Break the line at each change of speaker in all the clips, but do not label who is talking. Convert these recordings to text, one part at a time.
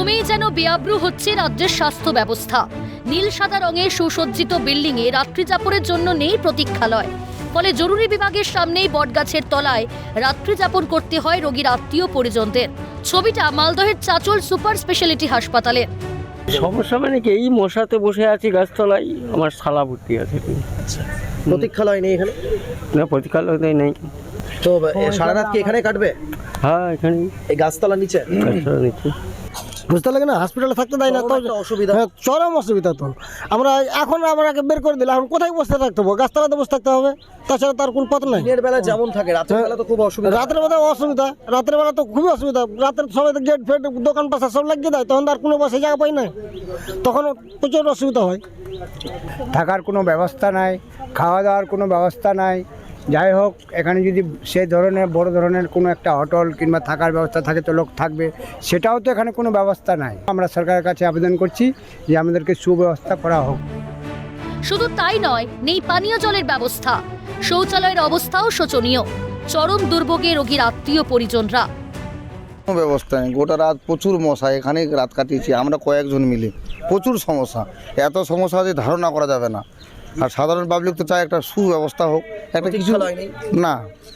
ক্রমেই যেন বেআব্রু হচ্ছে রাজ্যের স্বাস্থ্য ব্যবস্থা। নীল সাদা রঙে সুসজ্জিত বিল্ডিংয়ে রাত্রিযাপনের জন্য নেই প্রতীক্ষালয়। ফলে জরুরি বিভাগের সামনেই বটগাছের তলায় রাত্রিযাপন করতে হয় রোগীর আত্মীয় পরিজনদের। ছবিটা মালদহের চাচল সুপার স্পেশালিটি হাসপাতালের।
সমস্যা মানে কি, এই মশাতে বসে আছি গাছতলায়, আমার শালা ভর্তি আছে।
প্রতীক্ষালয় নেই এখানে?
না, প্রতীক্ষালয় নেই।
তো সারা রাত কি এখানে কাটবে?
হ্যাঁ, এখানে
এই গাছতলার নিচে?
গাছতলা নিচ্ছি।
বুঝতে লাগে না, হসপিটালে থাকতে দেয় না তো
অসুবিধা।
হ্যাঁ, চরম অসুবিধা। তো আমরা এখন আমাকে বের করে দিলে এখন কোথায় বসে থাকতে হবে? গাছতলাতে বসে থাকতে হবে, তাছাড়া তার কোনো পথ নাই।
দিনের বেলা যেমন থাকে, রাতের বেলা তো খুব অসুবিধা।
রাতের বেলা অসুবিধা, রাতের বেলা তো খুবই অসুবিধা। রাতের সবাই তো গেট ফেট দোকান পাশা সব লাগিয়ে দেয়, তখন আর কোনো বসে জায়গা পাই না, তখন প্রচুর অসুবিধা হয়।
থাকার কোনো ব্যবস্থা নাই, খাওয়া দাওয়ার কোনো ব্যবস্থা নাই। যাই হোক, এখানে যদি সেই ধরনের বড় ধরনের কোনো একটা হোটেল কিংবা থাকার ব্যবস্থা থাকে তো লোক থাকবে, সেটাও তো এখানে কোনো ব্যবস্থা নাই। আমরা সরকারের কাছে আবেদন করছি যে আমাদেরকে সুব্যবস্থা করা হোক।
শুধু তাই নয়, নেই পানীয় জলের ব্যবস্থা। শৌচালয়ের অবস্থাও শোচনীয়। চরম দুর্ভোগে রোগীর আত্মীয় পরিজনরা।
কোনো ব্যবস্থা নেই, গোটা রাত প্রচুর মশা, এখানেই রাত কাটিয়েছি আমরা কয়েকজন মিলে। প্রচুর সমস্যা, এত সমস্যা যে ধারণা করা যাবে না। আর সাধারণ পাবলিক তো চায় একটা সুব্যবস্থা হোক, একটা কিছু। না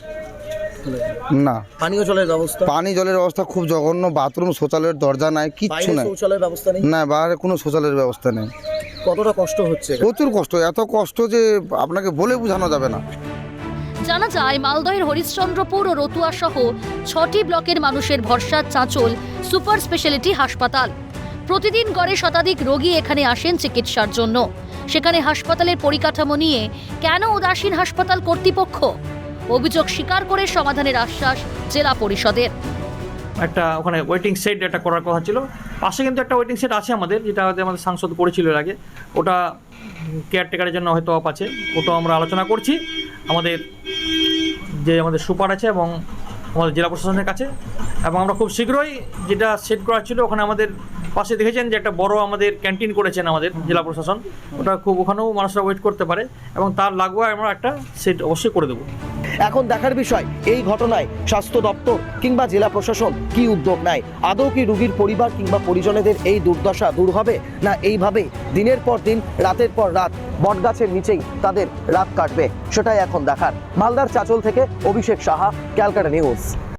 না,
পানীয় জলের ব্যবস্থা?
পানি জলের ব্যবস্থা খুব জঘন্য। বাথরুম শৌচালয়ের দরজা নাই, কিচ্ছু নাই।
শৌচালয়ের ব্যবস্থা নেই?
না, বাইরে কোনো শৌচালয়ের ব্যবস্থা নেই।
কতটা কষ্ট হচ্ছে?
প্রচুর কষ্ট, এত কষ্ট যে আপনাকে বলে বোঝানো যাবে না।
জানা যায়, মালদহের হরিশ্চন্দ্রপুর ও রতুয়া সহ 6টি ব্লকের মানুষের ভরসা চাঁচল সুপার স্পেশালিটি হাসপাতাল। প্রতিদিন গড়ে শতাধিক রোগী এখানে আসেন চিকিৎসার জন্য। সেখানে হাসপাতালের পরিকাঠামো নিয়ে কেন উদাসীন হাসপাতাল কর্তৃপক্ষ? অভিযোগ স্বীকার করে সমাধানের আশ্বাস জেলা পরিষদের।
একটা ওখানে ওয়েটিং সেট একটা করার কথা ছিল। পাশে কিন্তু একটা ওয়েটিং সেট আছে আমাদের, যেটা আমাদের সাংসদ করেছিল এর আগে। ওটা কেয়ারটেকারের জন্য হয়তো অফ আছে, ওটাও আমরা আলোচনা করছি আমাদের সুপার আছে এবং আমাদের জেলা প্রশাসনের কাছে। এবং আমরা খুব শীঘ্রই যেটা সেট করা ছিল, ওখানে আমাদের পাশে দেখেছেন যে একটা বড় আমাদের ক্যান্টিন করেছেন আমাদের জেলা প্রশাসন। ওটা খুব, ওখানেও মানুষরা ওয়েট করতে পারে এবং তার লাগোয়া আমরা একটা সেট অবশ্যই করে দেবো।
এখন দেখার বিষয়, এই ঘটনায় স্বাস্থ্য দপ্তর কিংবা জেলা প্রশাসন কি উদ্যোগ নেয়। আদৌ কি রোগীর পরিবার কিংবা পরিজনেদের এই দুর্দশা দূর হবে, না এইভাবেই দিনের পর দিন রাতের পর রাত বটগাছের নিচেই তাদের রাত কাটবে, সেটাই এখন দেখার। মালদার চাঁচল থেকে অভিষেক সাহা, ক্যালকাটা নিউজ।